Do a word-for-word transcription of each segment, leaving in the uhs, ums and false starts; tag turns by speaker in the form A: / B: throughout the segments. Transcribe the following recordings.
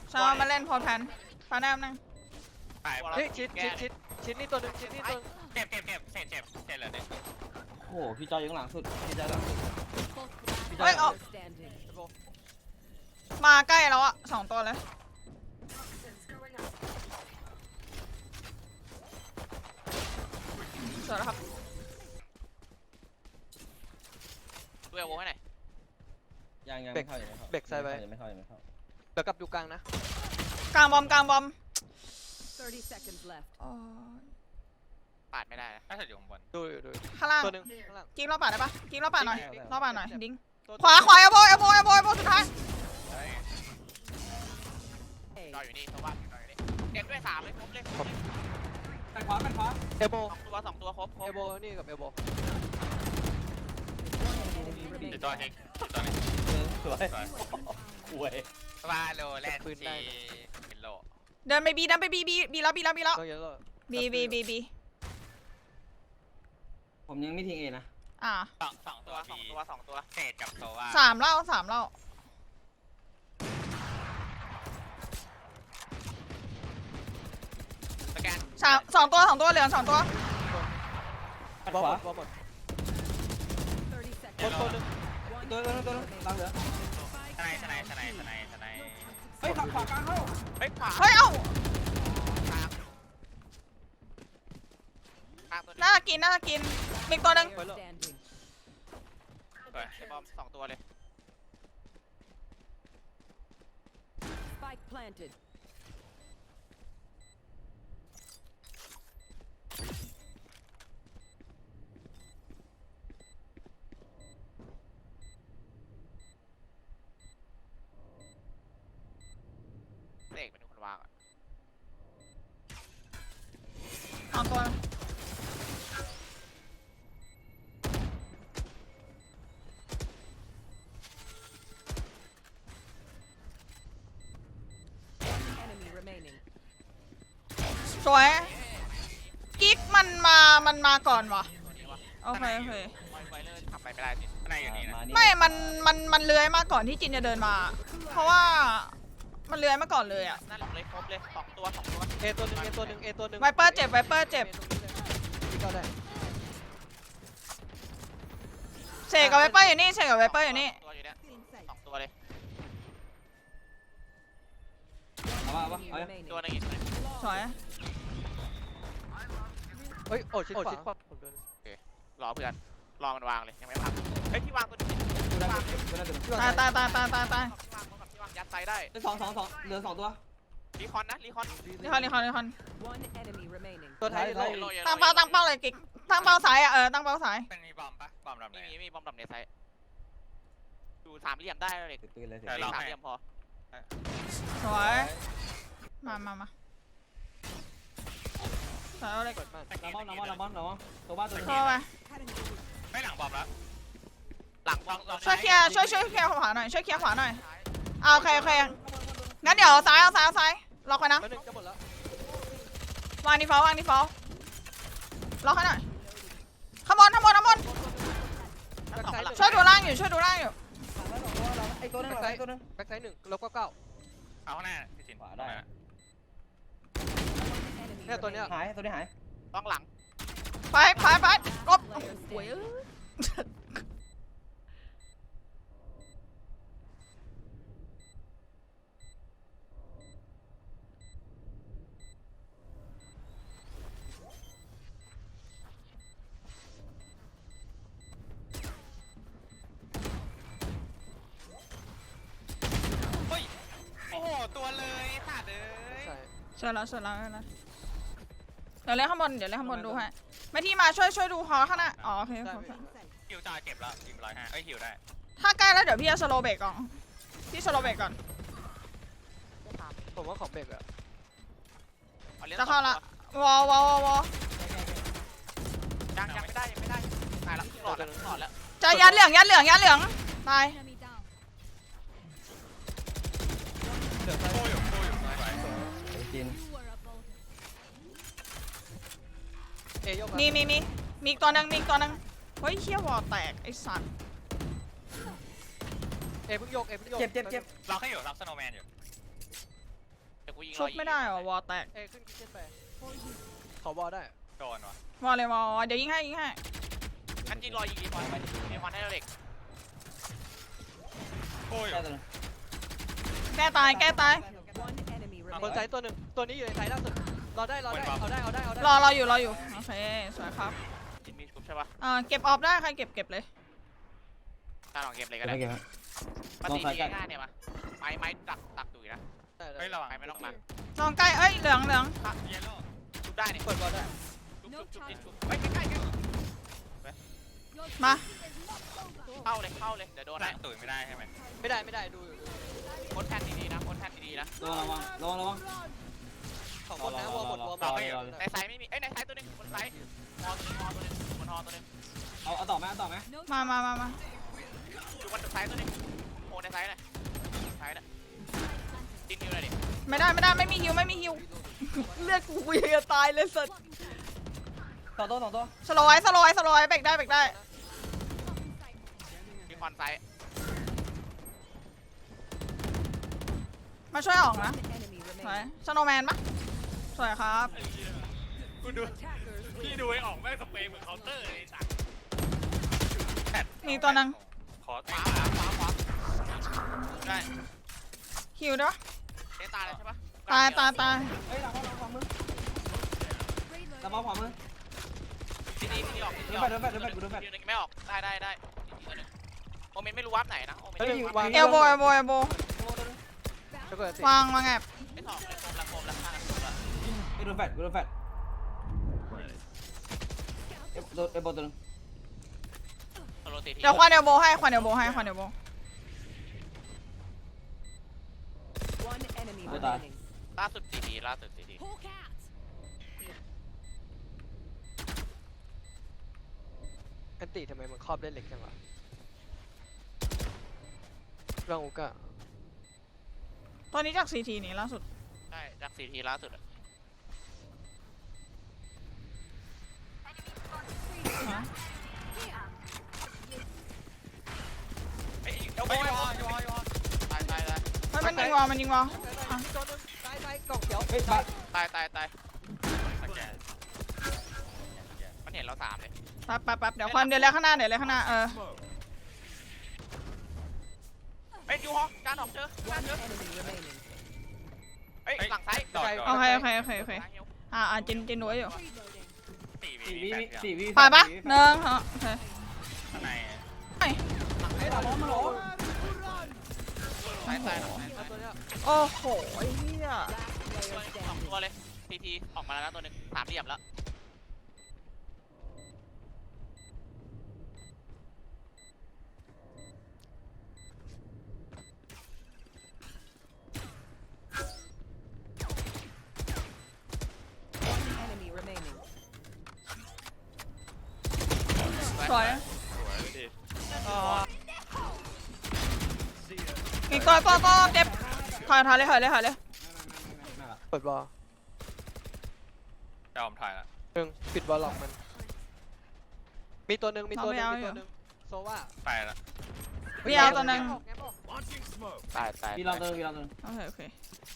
A: ชาวมาเล่นพอแพนพาแนมนึง
B: ตาย
C: เฮ้ยชิดชิดชิดชิดนี่ตัวหนึ่งชิดนี่ตัว
B: เจ็บเจ็บเจ็บเสร็จเจ็บเสร็จเลยเนี่ย
D: โอ้โหพี่จอยอยู่ข้างหลังสุดพี่จอยหลังสุด
A: เฮ้ยเอามาใกล้แล้วอะสองตัวเลยสวยแล้วครับ
B: ดูเอลโวให้หน่อย
D: ยังยังไม่เข้ายังไม่เข้า
C: เบรกไซด์ไป
D: ยังไม่เข้ายังไม่เข้า
C: เดี๋ยวกลับอยู่กลางนะ
A: กลางบอมกลางบอม
E: thirty seconds left.
A: อ๋อ
B: ปาดไม่ได้นะถ้าเสร็จอยู่ข้างบน
C: ดูอยู่ดู
A: ข้างล่าง
C: ตัวหนึ่งข้างล่าง
A: กิ๊กรอบป่าได้ปะกิ๊กรอบป่าหน่อย
C: ได้
A: รอบป่าหน่อยดิ้ง
C: ตัว
A: ขวาขวาเอโบเอโบเอโบเอโบสุดท้าย
B: จอยอยู่นี่ตัวบ้านจอยอยู่นี่เด็กด้วยสามเลยครบเลย
D: ไปขวาไปขวา
C: เอโบ
B: สองตัวสองตัวครบคร
C: เอบ โบนี่กับเอโบ
B: เดี๋ยวจอยเองจอย
D: เออสวยอวย
B: วาโลแลนด์จีเป็นโล
A: เดินไปบีเดินไปบีบีบีแล้วบีแล้วบีแล้ว
C: ต้องเยอะเลย
A: บีบีบีบี
D: ผมยังไม่ทิ้งเอนะ
A: อ่า
B: สองสองตัวสองตัวสองตัวเศษกับโซว่า
A: สามเล่าสามเล่า
B: สแกน
A: สามสองตัวสองตัวเหลือสองตัว
D: ปัด
C: บอ
D: ข
C: ล
D: วา
C: บอลหมด
E: thirty
C: ตัว
E: seconds.
C: ตัวหนึ่ง
D: ตัวนึงตัวนึงตัวนึงหลังเหลือ
B: ทนายทนายทนายทนายทนาย
D: เฮ้ยขวาขวากลางเข้า
B: เฮ้ยขวา
A: เฮ้ยเอ้า
B: ข้างข้างตัวนี้
A: น่ากินน่ากินมีตัวหนึง
E: Player standing.
B: ไอ้บอมสองตัวเลย
E: Spike planted.
B: เด็กเป็นคนวางอ่ะ
A: สองตัว
E: Enemy remaining.
A: สวยกิ๊กมันมามันมาก่อนวะ
B: ตัวนี้วะ
A: โอเคโอเค
B: ไวไวเลยทำไปไม่ได้จิทนายอยู่นี่นะ
D: มานี่
A: ไม่มันมันมันเลื้อยมาก่อนที่จินจะเดินมา เพราะว่ามันเลื้อยมาก่อนเลยอะ
B: นั่นเลยครบเลยสองตัวสองตัว
C: เอตัวหนึ่งเอตัวหนึ่งเอตัวหนึ่ง
A: ไวเปอร์เจ็บไวเปอร์เจ็บ
C: พี่ก็ได้
A: เสกกับไวเปอร์อยู่นี่เสกกับไวเปอร์อยู่นี่
B: ตัวอยู่เนี่ยสองตัวเลย
D: เอาวะเอาวะ
E: Enemy
D: เอาวะ
E: remaining.
B: ตัวนึงอีกตัวนึง
A: สวย
C: เฮ้ยโอ้ชิดขวาผมโดน
B: รอเพื่อนรอมันวางเลยยังไม่พักเฮ้ยที่วางตัวนี้
D: ดูได้ดูได้ดูได้
A: ตายตายตายตายตายตาย
B: ที่วางแบบที่วางยัดไซได้
D: สองสองสองเหลือสองตัว
B: รีคอนนะรีคอน
A: นี่คอนนี่คอนนี่คอน
E: One enemy remaining.
C: ตัวท้าย
D: ท้าย
C: โล
A: ตั้งเป้าตั้งเป้าเลยกิ๊กตั้งเป้าสายอะเออตั้งเป้าสาย
B: เป็นมีบอมปะบอมดำมีมีบอมดำในไซดูสามเหลี่ยมได้เลย
D: ติดปืนเลยสิ
B: สามเหลี่ยมพอ
A: สวยมามามาสวยเอาเลย
C: เปิดมาก
D: น้ำมันน้ำมันน้ำมันน้ำมันตัวบ้านตัวนึง
A: เข้าไป
B: ไม่หลังบอมแล้วหลังบอม
A: ช่วยเคลียร์ช่วยช่วยเคลียร์ขวาหน่อยช่วยเคลียร์ขวาหน่อยเอาโอเคโอเคงั้นเดี๋ยวซ้ายเอาซ้ายเอาซ้ายล็อกไว้นะ
C: ตัวหนึ่งจะหมดแล้ว
A: วางดีฟอลต์วางดีฟอลต์ล็อกให้หน่อยข้างบนข้างบนข้างบนช่วยดูล่างอยู่ช่วยดูล่างอยู่
D: ไอ้ตัวนึงไอ้ตัวนึง
C: แบ็คไซด์หนึ่งลบเก้าเก้า
B: เอาข้างหน้าพี่จิน
D: ขวาได้
E: Enemy
C: เนี่ยตัวเนี้ย
D: หายตัวนี้หาย
B: ต้องหลัง
A: ไปไปไปกบ
E: Player
A: โอ้ย
E: standing.
B: เฮ้ยโอ้โหตัวเลยขาดเลย
C: ใช่
A: เสร็จแล้วเสร็จแล้วเสร็จแล้วเดี๋ยวเล่นข้างบนเดี๋ยวเล่นข้างบนดูให้ไม่ที่มาช่วยช่วยดูฮอข้างหน้าอ๋อโอเค
C: ได้
A: โอเค
B: ฮิวจ่าเจ็บแล้วยิงร้อยห้าเอ้ยฮิวได้
A: ถ้าใกล้แล้วเดี๋ยวพี่จะสโลว์เบรกก่อนพี่สโลว์เบรกก่อน
C: ผมว่าของเบรกอะ
A: จะเข้าละวอลวอลวอลวอล
B: ยังยังไม่ได้ยังไม่ได้ตายแล้วหลอดแล้วหลอดแล้ว
A: จะยัดเหลืองยัดเหลืองยัดเหลืองตาย
E: Enemy down.
C: เดี๋ยวซ้าย
B: โคอยู่โคอยู่
D: จิน
C: เอยก
A: มีมีมีมีอีกตัวหนึงมีอีกตัวหนึงเฮ้ยเชี่ยวอลแตกไอ้สัตว์
C: เอเพิ่งโยกเอเพิ่งโยก
D: เจ็บเจ็บเจ็บ
B: เราแค่อยู่รับสโนว์แมนอยู่กูยิง
A: ชุบไม่ได้เหรอวอลแตก
C: เอขึ้นคิดเช่นไปขอบอลได้
F: โดนวะ
A: วอลเลยวอลเดี๋ยวยิงให้ยิงให้
B: งั้นยิงรอยิงอีกคนไปไอ้ควันให้เราเด็ก
F: โอ้ย
D: แค่ตัวนึง
A: แก้ตายแก้ตาย
E: One enemy
C: บน
E: remaining.
C: ไซต์ตัวหนึ่งตัวนี้อยู่ในไซต์ล่าสุดรอได้รอได้เอาได้เอาได้เอาได้
A: รอรออยู่รออยู่โอเคสวยครับ
B: จินมีชุบใช่ปะ
A: อ่าเก็บออฟได้ใครเก็บเก็บเลย
B: ตาลองเกมเลย
D: เก็
B: ก็
D: บ
B: ได้
D: ไว้เก็บไว้
B: ปฏิทินง่ายเนี่ยมาไม้ไม้ตักตักดุยนะ
C: ได้ได้
F: เฮ้ยระวัง
B: ไม้ไม่ต้องมา
A: ลองใกล้เอ้ยเหลืองเหลือง
F: เยลโล่
B: ชุบได้นี่
C: เปิดบอลได้
B: ชุบชุบชุบจินชุบเฮ้ยใกล้ๆกัน
A: มา
B: เข้าเลยเข้าเลยเดี๋ยวโดน
F: หน้า
B: นะ
F: ตุ๋ยไม่ได้ใช่ไหม
C: ไม่ได้ไม่ได้ดูอยู่
B: โคตรแทนดีๆนะโคตรแทนดีๆนะ
D: ระวังระวังระวังระวัง
C: ของบนนะวอลหมดวอลหม
D: รอ
C: ด
D: รอรอรอ
B: ในไซส์ไม่มีเอ้ยในไซส์ตัวนึงบนไซส์ฮอตัวนึงฮอตัวนึงบนฮอตัวนึง
D: เอาเอาต่อไหมเอาต่อไหม
A: มามามามา
B: อยู่บนไซส์ตัวนึงโอ้ในไซส์เลยไซส์น่ะจินอยู่เลยดิ
A: ไม่ได้ไม่ได้ไม่มีฮิวไม่มีฮิวเลือดกูกูยังจะตายเลยสัส
D: ต่อตัวต่อตัว
A: สโลว์ไว้สโลว์ไว้สโลว์ไว้เบรกได้เบรกได้
B: มีควันไซส์
A: มาช่วยออกนะ
E: One enemy
A: สวย
E: remaining.
A: สโนว์แมนปะสวยครับ
F: กูดู
E: Attackers
F: พี่
E: win.
F: ดูไอ้ออกแม่งสเปรย์เหมือนเคาน์เตอร์เลยสัตว์
A: มีตัวนึง
F: ขอ
B: ขวาขวาขวาขวาได้
A: ฮิวด้วย
B: เตะตายเลยใช่ปะ
A: ตายตายตาย
D: เฮ้ยหลังบ้านหลังขวามือหลังบ้านขวามือ
B: ที่นี่ที่นี่ออกที่นี่อ
D: ดู
B: อก
D: แฟดดูแฟดดูแฟดดูแฟด
B: ที่นึงไม่ออกได้ได้ได้อีกตัวนึงโอเมนไม่รู้วับไหนนะโอเมน
C: เฮ้ย
B: ไม่รู้
C: วาง
A: เอลโบเอลโบเอลโบ
C: แล้วก็สิ
A: วางวางแอบ
B: ไม่ถอดเลยโคมละโคมละข้างละโคมละ
D: ไปดูแฟดดูแฟดเอฟเอฟบอลตัวนึง
B: โซโลตีที
A: เดี๋ยวควันเอลโบให้ควันเอลโบให้ควันเอลโบ
E: One enemy remaining.
B: ล่าสุดตีทีล่าสุดตีที
E: Hawk out.
C: อันติทำไมมันครอบได้เล็กจังวะร่างอุก้า
A: ตอนนี้จากซีทีนี่ล่าสุด
B: ใช่จากซีทีล่าสุดอะ
F: เอ้ยเอาไปวอยวอยวอ
B: ตายตายตาย
A: เฮ้ยมันยิงวอลมันยิงวอล
C: ตัวนึงซ้ายซ้ายกล่องเขียว
D: เฮ้ยบ้าน
B: ตายตายตาย
F: สแกน
B: มันเห็นเราสามเลย
A: แป๊บแป๊บแป๊บเดี๋ยวควันเดี๋ยวเลยข้างหน้าเดี๋ยวเลยข้างหน้าเออ
B: เอ้ยยูฮอการออกเจอการ
E: One
B: เจอ
E: enemy remaining.
B: เอ้ยหลังซ้าย
F: ดอดด
A: โอ
F: อด
A: เคโอเคโอเคโอเคอ่าอ่าจินจินรู้อยู่
F: สี่วิ
D: สี่
F: วิ
D: วิสี่วิ
A: ไปปะหนึ่งเหรอโอเค
F: ข้างใน
D: เฮ้ยหลังบ้านมาหรอ
B: ซ้ายซ้ายหลัง
C: เอาตัวเนี้ย
A: โอ้โหไอ้เหี้ย
E: Last player
B: สอง
E: standing.
B: ตัวเลยทีทีออกมาแล้วนะตัวหนึ่งสามเหลี่ยมแล้ว
E: One enemy remaining.
A: สวย
F: สวยดิ
A: อีกตัวก็ก็เจ็บถอยถอยเลยถอยเลยถอยเลย
C: เปิดบอล
F: จอมถ่ายละ
C: หนึ่งปิดบอลหลอกมัน มีตัวหนึ่งมีตัวหนึ่งมีตัวหนึ่งโซว่า
F: ไปละ
A: พี่เอาตัวหนึง
C: แง้มออก
B: ตายตาย
D: วีลองตัวนึงวีลองตัวนึง
A: โอเคโอเค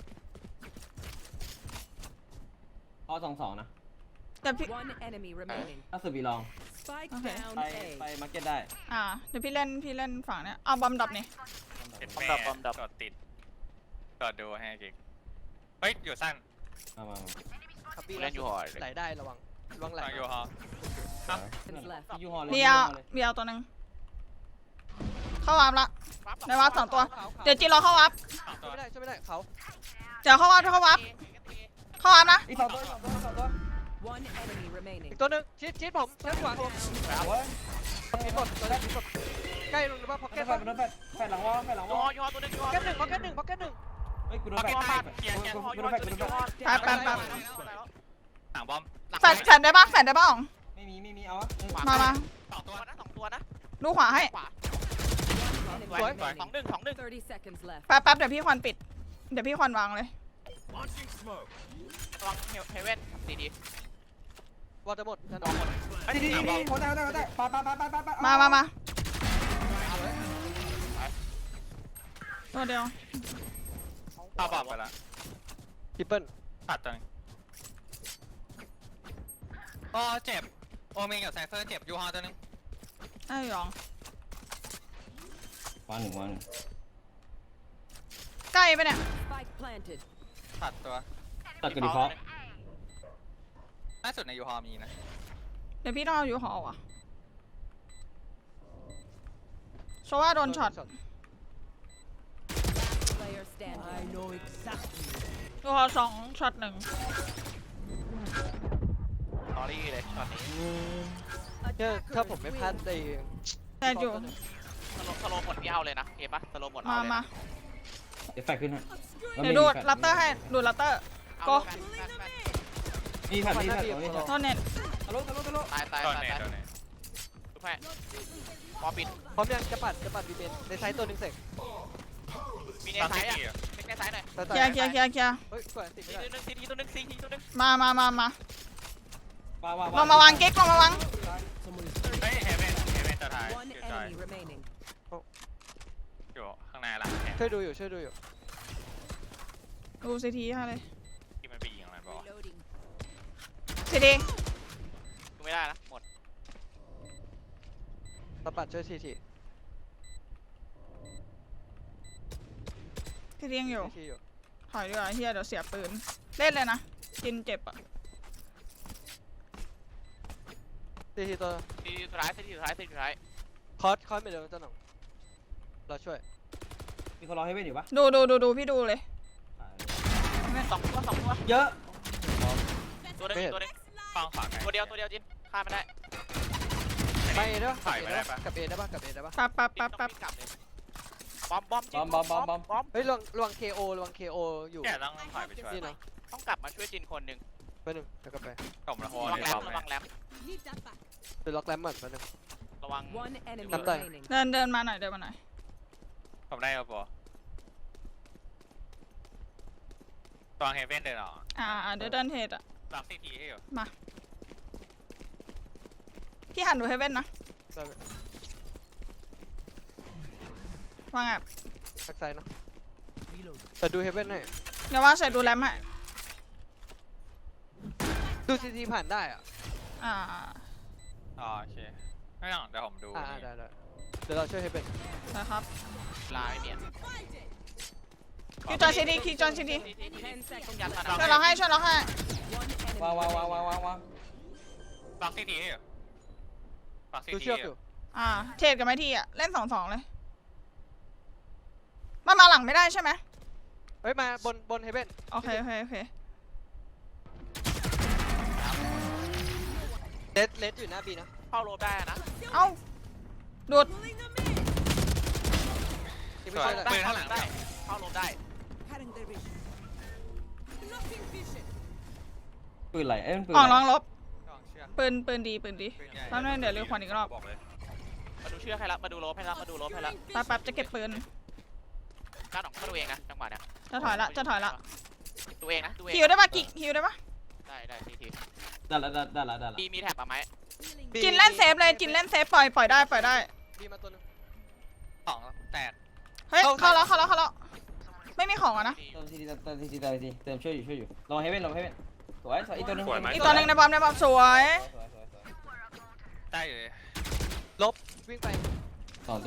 D: เอาสองสองนะ
A: แต่พี่
E: One enemy remaining.
D: ล่าสุดวีลอง
E: Spike
A: Okay.
E: down
D: ไป
E: A.
D: ไปมาร์เก็ตได้
A: อ่าเดี๋ยวพี่เล่นพี่เล่นฝั่งเนี้ยเอาบอมดับนี่
F: เห็นแม่กดติดกดดูให้กิ๊กเฮ้ยอยู่สั้น
D: มามามา
C: ครับบี้
B: เล่นยูฮอร์เลย
C: ไหลได้ระวังระวังไหล
F: ทางอยู่ฮอ
E: Seconds left.
D: ยูฮอลเลย
A: พี่เอาพี่เอาตัวหนึงเข้าวาร์ปละในวาร์ปสองตัวเดี๋ยวจีรอเข้าวาร์ป
F: สองตั
C: ช่ว
F: วย
C: ไม่ได้ช่วยไม่ได้เขา
A: เดี๋ยวเข้าวาร์ปเข้าวาร์ปเข้าวาร์ปนะ
D: อีกสองตัวสองตัวสองตัว
E: One enemy remaining.
C: อีกตัวหนึ่งชิดชิดผมชิดขวาผม
D: โอ้ย
C: ชิดหมดตัวแรกชิดหมดใกล้ลงหรือว่าพ็อก
D: แฟ
C: เก็ต
D: ดแฟดแฟดแฟดหลังวอลแฟดหลังว
B: ยู
D: อ
B: ฮ
D: ล
B: อยูฮอตัวหนึ่งยูฮอ
C: พ็อกเก็ตหนึ่งพ็อกเก็ตหนึ่งพ็อกเก็ตหนึ่ง
D: เฮ้ยกูโดนแฟด
B: ยูฮอ
D: กู
B: บ้าน
D: โด
B: เกียร์เกียร์ยูฮอยู
D: น
B: ฮอ
D: แฟด
B: ตัวห
D: กู
B: นึ่ง
D: โดน
B: ยู
D: แฟ
B: ฮอ
D: ด
A: แป๊บแป๊บแป๊บ
F: หางบอม
A: แฟดแฟดได้ปะแฟดได้ปะอ๋อง
D: ไม่มีไม่มีเอาวะ
A: มามา
B: สองตัวนะสองตัวนะ
A: ดูขวาให้
B: ขวา
E: Enemy
B: สวยสอง
E: remaining.
B: หนึ่งสองหนึ่ง
E: Thirty seconds left.
A: แป๊บแป๊บเดี๋ยวพี่ควันปิดเดี๋ยวพี่ควันวางเลย
B: ระวังเฮเว่นดีดี
C: วอลจะหมดจะนอนหมด
D: ดีดีดีหัวใจหัวใจหัวใจปาปาปาปาปาปา
A: มามามาตัวเดียว
F: เข้าบอมไปละ
C: ทิปเปิล
F: ตัดตัวนึงโอ้เจ็บโอเมนกับไซเฟอร์เจ็บยูฮอตัวนึง
A: ไอ้หยอง
D: วางหนึ่งวางหนึ่ง
A: ใกล้ไปเนี่ย
E: Spike planted.
F: ตัดตัว
D: ตัดกระดิ่งเพาะ
F: ล่าสุดในยูฮอมีนะ
A: เดี๋ยวพี่ต้องเอาอยู่หอว่ะโชว่าโดนช็อต
E: Player standing.
A: อยู่หอสองช็อตหนึ่ง
B: สอรี่เลยช็อตนี้
C: เนี่ยถ้าผมไม่พลาดใน
A: แต่อยู่
B: สโลสโลหมดพี่เอาเลยนะเห็นปะสโลหมดเอา
A: มา
B: เลย
A: มา
D: เดี๋ยวแฟกขึ้นฮะ
A: เดี๋ยวดูดลัปเตอร์ให้ดูดลัปเตอร์
B: เอา
A: ก็
B: แฟนแฟนแฟน
D: นี่แฟกนี่แฟกนี่แฟก
A: โทษเน็ต
C: ทะลุทะลุทะลุ
B: ตายตาย
F: ตอน
B: ตาย
F: ไหน
B: ตาย
F: ตอนไหน
B: ดูแพ้พอปิด
C: พร้อมยังจะปัดจะปัดบีเบนในไซต์ตัวหนึ่งเสร็จ
B: มีใน
F: ตอน
B: ซ้าย
F: ที่
B: อ่ะ
F: สี่อะ
B: เล็กในซ้ายหน่อย
C: แต่
A: เคลียร์เคลียร์เคลียร์เคลียร์
C: เฮ้ยสวยติด
B: ซี
C: ไม่ได้
B: ตัวหนึงซีทีตัวหนึงซีทีตัวหนึง
A: มามามามา
D: วางวาง
A: ลงมาวางกิ๊กลงมาวาง
F: เฮ้ยเฮเวนเฮเวนตัวท้าย
E: One
F: อยู่จอย
E: enemy remaining.
F: อยู่ข้างในหลังแขน
C: ช่วยดูอยู่ช่วยดูอยู่
A: ดูซีทีให้เลย
F: ที่มันไปยิงอะไรบอก
E: Reloading.
A: ซีที
B: ดูไม่ได้นะหมด
C: ตะปัดช่วยทีที
A: ซีทียังอยู่
C: ทีทีอยู่
A: ถอยดีกว่าเฮียเดี๋ยวเสียปืนเล่นเลยนะกินเจ็บอ่ะ
C: ทีทีตัว
B: ซีทีสุดท้ายซีทีสุดท้ายซีทีสุดท้าย
C: คอสคอสไม่เดินเจ้าหน่องเราช่วย
D: มีคนรอให้เว้นอยู่ปะ
A: ดูดูดูดูพี่ดูเลย
B: สองตัวสองตัว
D: เยอะ
B: ตัวหนึงตัวหนึง
F: ฟังขวาไง
B: ตัวเดียวตัวเดียวจินฆ่าไม่ได้
C: ไปเอได้ปะ
F: ถ่ายไม่ได้ปะ
C: กับเอได้ปะกับเอได้ปะ
A: ปั๊บปั๊บ
B: จิน
A: ปั๊บ
B: ต้อง
A: ปั๊บ
B: วิ่งกลับเลยบอมบอมจิน
D: บอมบอมบอมบอม
B: บอม
C: เฮ้ยลวงลวงเคโอลวงเคโออยู่
F: แกต้องถอยไปช่วย
C: นี่เนาะ
B: ต้องกลับมาช่วยจินคนหนึ่ง
C: ไปหนึ่งเดี๋ยวกลับไป
F: ผมละโห
B: ระวัง
F: ใน
B: แร
F: บอ
B: ม
F: ม
B: ระวังแรม
C: เดี๋ยวล็อกแรมเหมือนไปหนึ่ง
B: ระวัง
E: One enemy
C: Nắm tay.
E: remaining.
A: เดินเดินมาหน่อยเดินมาหน่อย
F: ผมได้ครับบอตอนเฮเวนเดินออก
A: อ่าอ่าเดี๋ยวเดินเทรดอ่ะ
F: หลังซีทีให้อยู่
A: พี่หันดูให้เว้นนะ
C: ได้ไหม
A: วางแอบ
C: แบ็กไซด์เนาะแต่ดูเฮเว่นให้
A: เดี๋ยวว่าใส่ดูแรมให้
C: ดูซีทีผ่านได้อ่ะ
A: อ่า
F: อ๋อโอเคไม่ต้องเดี๋ยวผมดู
C: อ่าได้ได้เดี๋ยวเราช่วยเฮเว่น
A: นะครับ
B: ลายเมียน
A: คิวจอยซีดีคิวจอยซีดี
E: Ten seconds
B: ยัด
E: left.
B: มา
A: ช่วยเราให้ช่วยเราให้
E: One enemy
D: วางวางวาง
E: remaining.
D: วางวางวาง
F: หลังซีทีให้อยู่หลังซี
C: ดู
F: ที
C: เชือก
F: ให้
C: อ
F: อยู่
C: ยู่
A: อ่าเทรดกันไหมทีอ่ะเล่นสองสองเลยมันมาหลังไม่ได้ใช่ไหม
C: เฮ้ยมาบนบนเฮเว่น
A: โอเคโอเคโอเค
C: เลสเลสอยู่หน้าบีนะ
B: เข้าโลได้นะ
A: เอ้าดูด
C: ที่
F: ส
C: ไม่
F: วย
C: ใช่แหละ
F: ปืนข้างหลัง
B: ได้
F: ได้
B: เข้าโลได้
D: ปืนอะไรเอ้ยมันปืน
A: อ่อง
D: อะไร
A: ร้องลบ
F: กองเชือก
A: ปืนปืนดีปืนดี
F: ปืนใหญ่
A: แป๊บนึงเดี๋ยวเรียกควันอีกรอบ
F: บอกเลย
B: มาดูเชือกให้ละมาดูโลให้ละมาดูโลให้ละ
A: แป๊บแป๊บจะเก็บปืน
B: ก้านออกมาดูเองนะจังหวะเนี้ย
A: จะถอยละจะถอยละ
B: ดูเองนะดูเอง
A: ฮิวได้ปะกิฮิวได้ปะ
B: ได้ได้ทีที
D: ได้ละได้ได้ละได้ละ
B: มีมีแท็บอะไหม
C: บี
A: กินเล่นเซฟเลยกินเล่นเซฟปล่อยปล่อยได้ปล่อยได้
C: บีมาตัวหนึง
F: สองแตก
A: เฮ้ย
C: เข้า
A: เข้าแล้วเข้าแล้วเข้าแล้วไม่มีของอ่ะนะ
D: เติมทีทีเติมทีทีเติมทีเติมช่วยอยู่ช่วยอยู่ลองให้เว้นลองให้เว้นสวยสวยอีกตัวนึง
A: อีกตัวหนึ่งในบอมในบอมสวย
D: สวยสวยสวย
F: ได้อยู่เลย
C: ลบวิ่งไป
D: สองตัว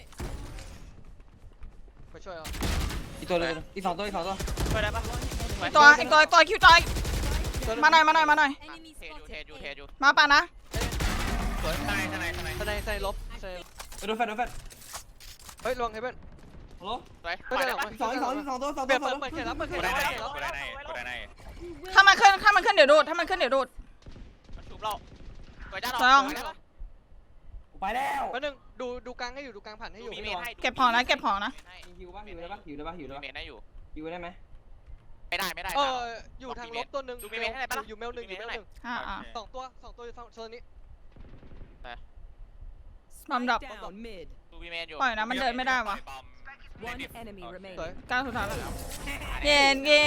C: ไปช่วยเอา
D: อีกตัวนึงอีกสองตัวอีกสองตัว
B: ช่วยได้ปะ
A: อีกตัวอีกตัวอีกตัวคิวจอย
C: ตัวหนึ่ง
A: มาหน่อยมาหน่อยมาหน่อย
B: เทยูเทยูเทยู
A: มาป่ะนะ
F: สวยทนายทนายทนาย
C: ทนายทนายลบทนาย
D: ไปดูแฟนดูแฟน
C: เฮ้ยลวงเฮเว่น
D: ฮัลโหล
B: สวย
C: ไม่
B: ปล่อย
C: ได้
B: ได้
C: หรอก
B: ปะ
D: อีกสองอีกสองอีกสองตัวสอง
C: เปิ
D: ตัว
C: ดเปิดเปิดเขตแล้วเปิดเข
F: กู
C: ต
F: ได้
C: แล้ว
F: ในกูได้ในกูได้ใน
A: ถ้ามันขึ้นถ้ามันขึ้นเดี๋ยวดูดถ้ามันขึ้นเดี๋ยวดูด
B: มันชุบเราสวยจ้า
A: สวยอ่ะ
B: ได้ปะ
D: ไปแล้ว
C: แป๊บนึงดูดูกลางให้อยู่ดูกลางผ่านให้
B: ดู
C: อยู่
B: มีเมนให้
A: เก็บของนะเก็บของนะ
D: มีฮิวป่ะฮิวได้ป่ะฮิวได้ป่ะฮิวได้
B: ดู
D: ป่ะ
B: เมนให้อยู่
D: ฮิวได้ไหม
B: ไม่ได้ไม่ได้
C: เอออยู่ทางลบตัวหนึ่ง
B: ดูมีเมนให้ได้ปะล่ะ
C: อยู่เมลหนึ่งอยู่เมลหนึ่ง
A: อ่าอ่า
C: สองตัวสองตัวอยู่โซนนี้
A: บอมดับ
E: Spike down mid.
B: ดูมีเมนอยู่
A: ปล่อยนะมันเดินไม่ได้วะ
E: One enemy
C: สวย
E: remaining.
A: ก้าวสุดท้ายแล้วเย็นเย่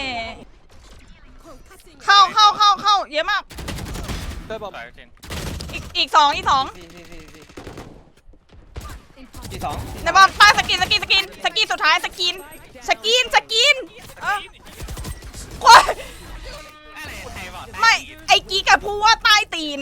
A: เข้าเข้าเข้าเข้าเยอะมาก
C: เตอร์บอม
F: สวยจริง
A: อีกอีกสองอีกสอง
D: สี่สี่สี่สี่อีกสอง
A: ในบอมป้าสกินสกินสกินสกินสุดท้ายสกินสกินสกินเออ
F: บอก
A: ไม่ไอ้กีกับพูดว่าใต้ตีน